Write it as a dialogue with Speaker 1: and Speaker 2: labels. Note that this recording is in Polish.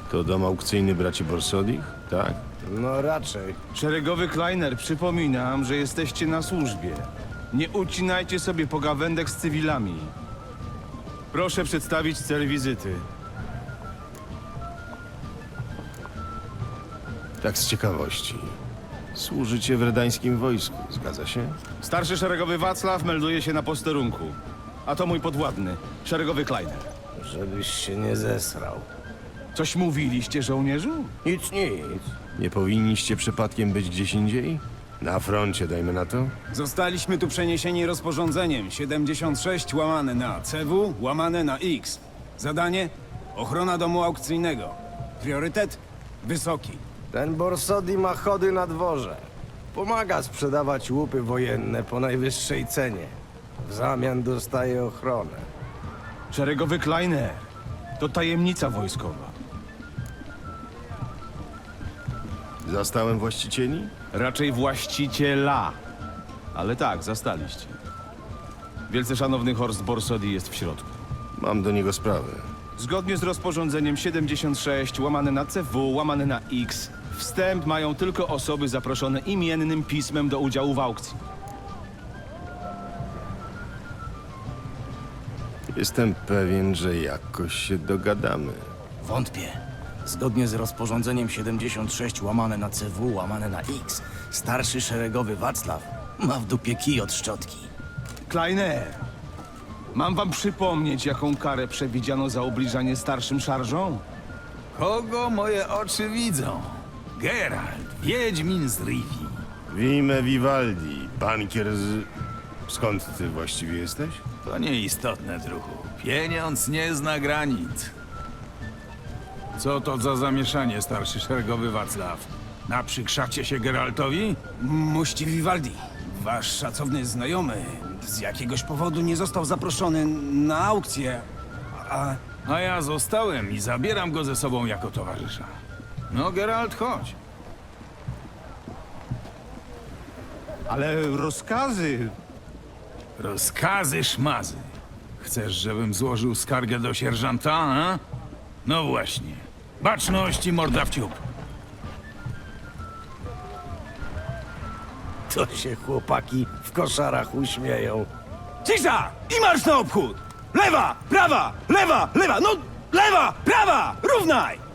Speaker 1: To dom aukcyjny braci Borsodich? Tak?
Speaker 2: No raczej.
Speaker 3: Szeregowy Kleiner, przypominam, że jesteście na służbie. Nie ucinajcie sobie pogawędek z cywilami. Proszę przedstawić cel wizyty.
Speaker 1: Tak z ciekawości. Służycie w redańskim wojsku, zgadza się?
Speaker 3: Starszy szeregowy Wacław melduje się na posterunku. A to mój podwładny, szeregowy Kleiner.
Speaker 2: Żebyś się nie zesrał.
Speaker 3: Coś mówiliście, żołnierzu?
Speaker 2: Nic, nic.
Speaker 1: Nie powinniście przypadkiem być gdzieś indziej? Na froncie, dajmy na to?
Speaker 4: Zostaliśmy tu przeniesieni rozporządzeniem 76 łamane na CW łamane na X. Zadanie? Ochrona domu aukcyjnego. Priorytet? Wysoki.
Speaker 2: Ten Borsodi ma chody na dworze. Pomaga sprzedawać łupy wojenne po najwyższej cenie. W zamian dostaje ochronę.
Speaker 3: Szeregowy Kleiner. To tajemnica wojskowa.
Speaker 1: Zastałem właścicieli?
Speaker 3: Raczej właściciela. Ale tak, zastaliście. Wielce szanowny Horst Borsodi jest w środku.
Speaker 1: Mam do niego sprawę.
Speaker 3: Zgodnie z rozporządzeniem 76 łamane na CW łamane na X wstęp mają tylko osoby zaproszone imiennym pismem do udziału w aukcji.
Speaker 1: Jestem pewien, że jakoś się dogadamy.
Speaker 5: Wątpię. Zgodnie z rozporządzeniem 76 łamane na CW łamane na X, starszy szeregowy Wacław ma w dupie kij od szczotki.
Speaker 3: Kleiner, mam wam przypomnieć, jaką karę przewidziano za obliżanie starszym szarżom?
Speaker 6: Kogo moje oczy widzą? Geralt, wiedźmin z Rivi.
Speaker 1: Wime Vivaldi, bankier z... Skąd ty właściwie jesteś?
Speaker 6: To nieistotne, druhu. Pieniądz nie zna granic. Co to za zamieszanie, starszy szeregowy Wacław? Naprzykrzacie się Geraltowi?
Speaker 4: Mości Vivaldi, wasz szacowny znajomy z jakiegoś powodu nie został zaproszony na aukcję,
Speaker 6: A ja zostałem i zabieram go ze sobą jako towarzysza. No, Geralt, chodź.
Speaker 3: Ale rozkazy...
Speaker 6: Rozkazy szmazy. Chcesz, żebym złożył skargę do sierżanta, a? No właśnie. Baczność i morda w ciup.
Speaker 2: To się chłopaki w koszarach uśmieją.
Speaker 4: Cisza! I marsz na obchód! Lewa, prawa, lewa, lewa, no lewa, prawa! Równaj!